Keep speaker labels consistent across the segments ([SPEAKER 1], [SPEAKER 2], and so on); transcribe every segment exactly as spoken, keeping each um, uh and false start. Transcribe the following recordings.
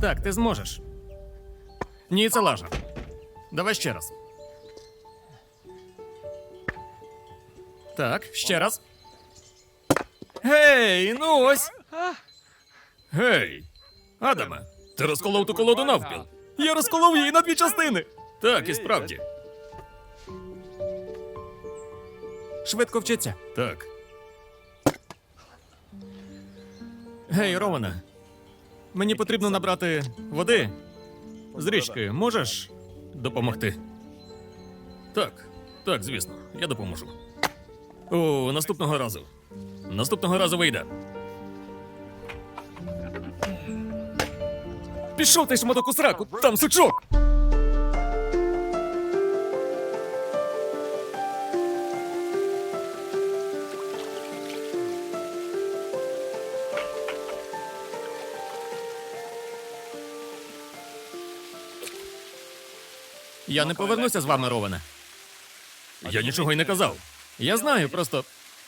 [SPEAKER 1] Так, ти зможеш. Ні, це лажа. Давай ще раз. Так, ще раз. Гей, ну ось. Гей, Адаме, ти розколов ту колоду навпіл. Я розколов її на дві частини. Так, і справді. Швидко вчиться. Так. Гей, Романе. Мені потрібно набрати води з річки. Можеш допомогти? Так, так, звісно, я допоможу. О, наступного разу. Наступного разу вийде. Пішов ти шматок у сраку, там сучок! Я не повернуся з вами, Роване. Я нічого й не казав. Я знаю, просто...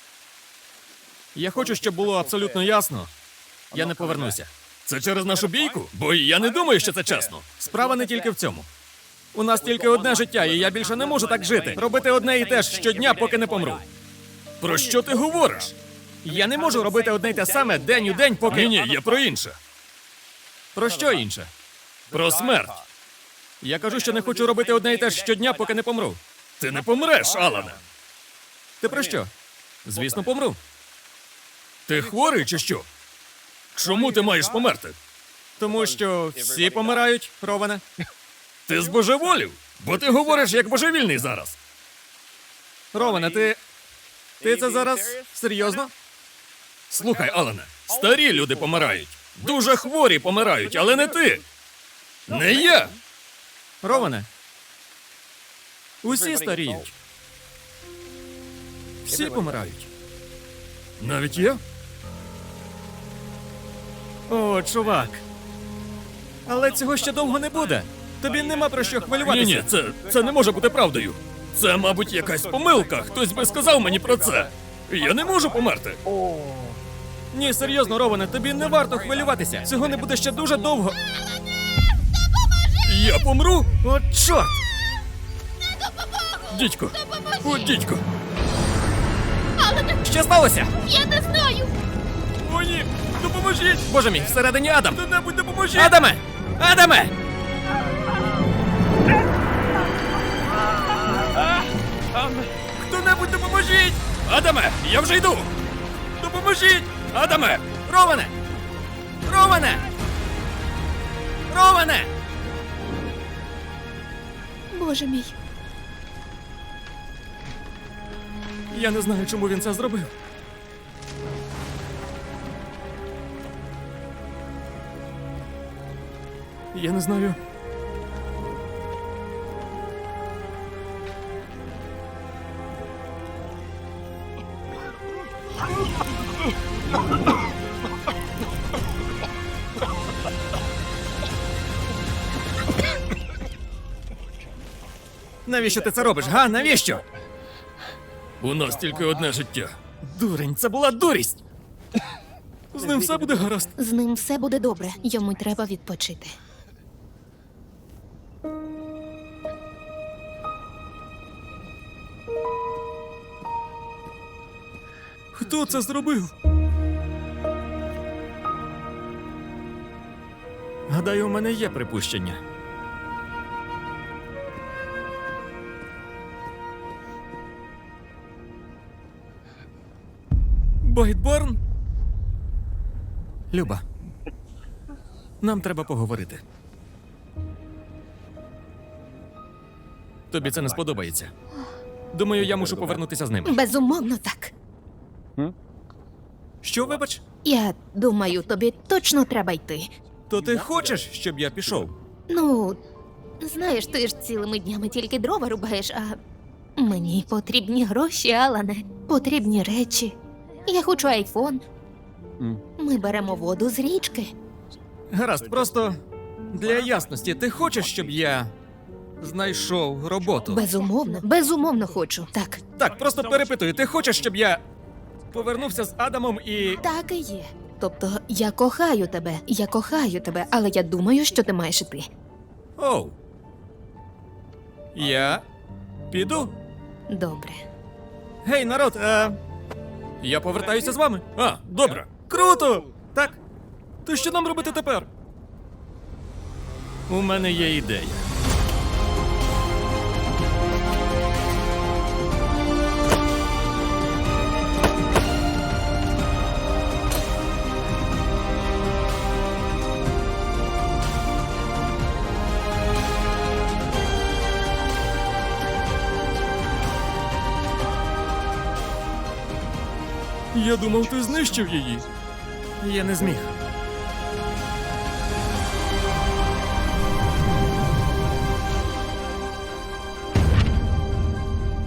[SPEAKER 1] Я хочу, щоб було абсолютно ясно. Я не повернуся. Це через нашу бійку? Бо я не думаю, що це чесно. Справа не тільки в цьому. У нас тільки одне життя, і я більше не можу так жити. Робити одне і те ж щодня, поки не помру. Про що ти говориш? Я не можу робити одне й те саме день у день, поки... Ні, ні, я про інше. Про що інше? Про смерть. Я кажу, що не хочу робити одне й те ж щодня, поки не помру. Ти не помреш, Алане. Ти про що? Звісно, помру. Ти хворий чи що? Чому ти маєш померти? Тому що всі помирають, Роване. Ти збожеволів? Бо ти говориш як божевільний зараз. Роване, ти... Ти це зараз серйозно? Слухай, Алане, старі люди помирають. Дуже хворі помирають, але не ти. Не я. Роване, усі старіють. Всі помирають. Навіть я? О, чувак. Але цього ще довго не буде. Тобі нема про що хвилюватися. Ні, ні, це, це не може бути правдою. Це, мабуть, якась помилка. Хтось би сказав мені про це. Я не можу померти. Ні, серйозно, Роване, тобі не варто хвилюватися. Цього не буде ще дуже довго. Я помру? О, чорт! Дідько! О, дідько!
[SPEAKER 2] Але
[SPEAKER 1] Що сталося?
[SPEAKER 2] я не знаю.
[SPEAKER 1] О, ні! Допоможіть! Боже мій, всередині Адам! Хто-небудь допоможіть! Адаме! Адаме! Хто-небудь допоможіть! Адаме! Я вже йду! Допоможіть! Адаме! Роване! Роване! Роване!
[SPEAKER 2] Боже мій.
[SPEAKER 1] Я не знаю, чому він це зробив. Я не знаю. Навіщо ти це робиш, га? Навіщо? У нас тільки одне життя. Дурень, це була дурість. З ним все буде гаразд.
[SPEAKER 2] З ним все буде добре. Йому треба відпочити.
[SPEAKER 1] Хто це зробив? Гадаю, у мене є припущення. Байтборн? Люба, нам треба поговорити. Тобі це не сподобається. Думаю, я мушу повернутися з ними.
[SPEAKER 2] Безумовно, так.
[SPEAKER 1] Що, вибач?
[SPEAKER 2] Я думаю, тобі точно треба йти.
[SPEAKER 1] То ти хочеш, щоб я пішов?
[SPEAKER 2] Ну, знаєш, ти ж цілими днями тільки дрова рубаєш, а мені потрібні гроші, Алане. Потрібні речі. Я хочу айфон. Ми беремо воду з річки.
[SPEAKER 1] Гаразд, просто для ясності, ти хочеш, щоб я знайшов роботу?
[SPEAKER 2] Безумовно, безумовно хочу. Так,
[SPEAKER 1] Так, просто перепитую, ти хочеш, щоб я повернувся з Адамом і...
[SPEAKER 2] так і є. Тобто, я кохаю тебе, я кохаю тебе, але я думаю, що ти маєш іти.
[SPEAKER 1] Оу. Я піду.
[SPEAKER 2] Добре.
[SPEAKER 1] Гей, народ, е... я повертаюся з вами. А, добре. Круто! Так. То що нам робити тепер? У мене є ідея. Я думав, ти знищив її. Я не зміг.